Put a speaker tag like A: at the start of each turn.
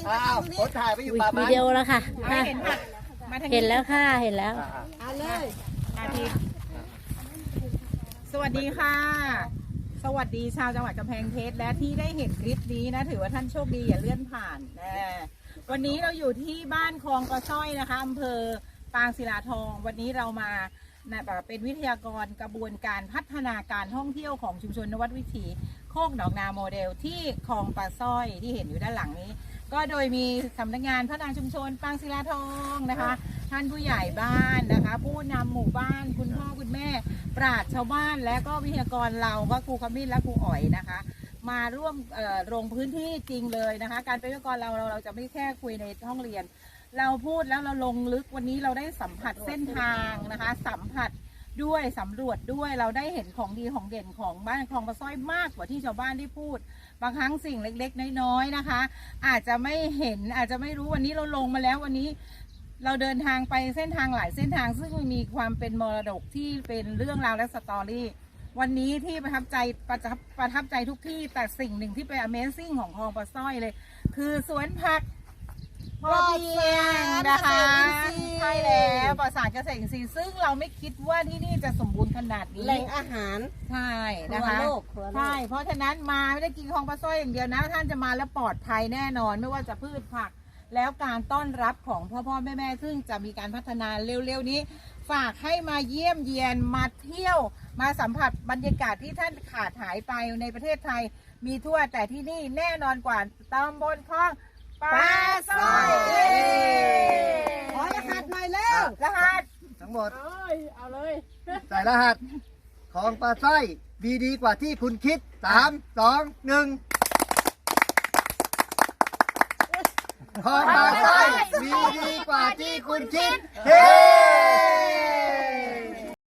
A: คนถ่ายไปอยู่ป่า
B: วิดีโอแล้วค่ะอ่ะ
C: เห็นผักมาทาง
B: เห็นแล้วค่ะเห็นแล้ว
C: เอาเลยอาทิตย์สวัสดีค่ะ สวัสดีชาวจังหวัดกำแพงเพชรและที่ได้เห็นคลิปนี้นะถือว่าท่านโชคดีอย่าเลื่อนผ่านวันนี้เราอยู่ที่บ้านคลองกระส้อยนะคะอำเภอปางศิลาทองวันนี้เรามาเป็นวิทยากรกระบวนการพัฒนาการท่องเที่ยวของชุมชนนวัดวิถีโคกหนองนาโมเดลที่คลองปลาสร้อยที่เห็นอยู่ด้านหลังนี้ก็โดยมีสำนักงานพัฒนาชุมชนปางศิลาทองนะคะท่านผู้ใหญ่บ้านนะคะผู้นำหมู่บ้านคุณพ่อคุณแม่ปราชญ์ชาวบ้านและก็วิทยากรเราก็ครูขมิ้นและครูอ๋อยนะคะมาร่วมลงพื้นที่จริงเลยนะคะการเป็นวิทยากรเราจะไม่แค่คุยในห้องเรียนเราพูดแล้วเราลงลึกวันนี้เราได้สัมผัสเส้นทางนะคะสัมผัสด้วยสำรวจด้วยเราได้เห็นของดีของเด่นของบ้านคลองปลาสร้อยมากกว่าที่ชาวบ้านได้พูดบางครั้งสิ่งเล็กๆน้อยๆนะคะอาจจะไม่เห็นอาจจะไม่รู้วันนี้เราลงมาแล้ววันนี้เราเดินทางไปเส้นทางหลายเส้นทางซึ่งมีความเป็นมรดกที่เป็นเรื่องราวและสตอรี่วันนี้ที่ประทับใจทุกที่แต่สิ่งหนึ่งที่เป็น Amazing ของคลองปลาสร้อยเลยคือสวนผักพอเพียงนะคะใช่แล้วปลอดสารเกษตรอินทรีย์ซึ่งเราไม่คิดว่าที่นี่จะสมบูรณ์ขนาดนี้แหล่งอาหารใช่นะคะใช่เพราะฉะนั้นมาไม่ได้กินคลองปลาสร้อยอย่างเดียวนะท่านจะมาแล้วปลอดภัยแน่นอนไม่ว่าจะพืชผักแล้วการต้อนรับของพ่อแม่ซึ่งจะมีการพัฒนาเร็วๆนี้ฝากให้มาเยี่ยมเยียนมาเที่ยวมาสัมผัสบรรยากาศที่ท่านขาดหายไปในประเทศไทยมีทั่วแต่ที่นี่แน่นอนกว่าตำบลคลองปลาสร้อยขอรหัสหน่อยเร็วรหัส
A: ทั้งหมด
C: เอาเลย
A: ใส่รหัสของปลาสร้อยดีกว่าที่คุณคิด3 2 1ของปลาสร้อยดีกว่าที่คุณคิดเฮ้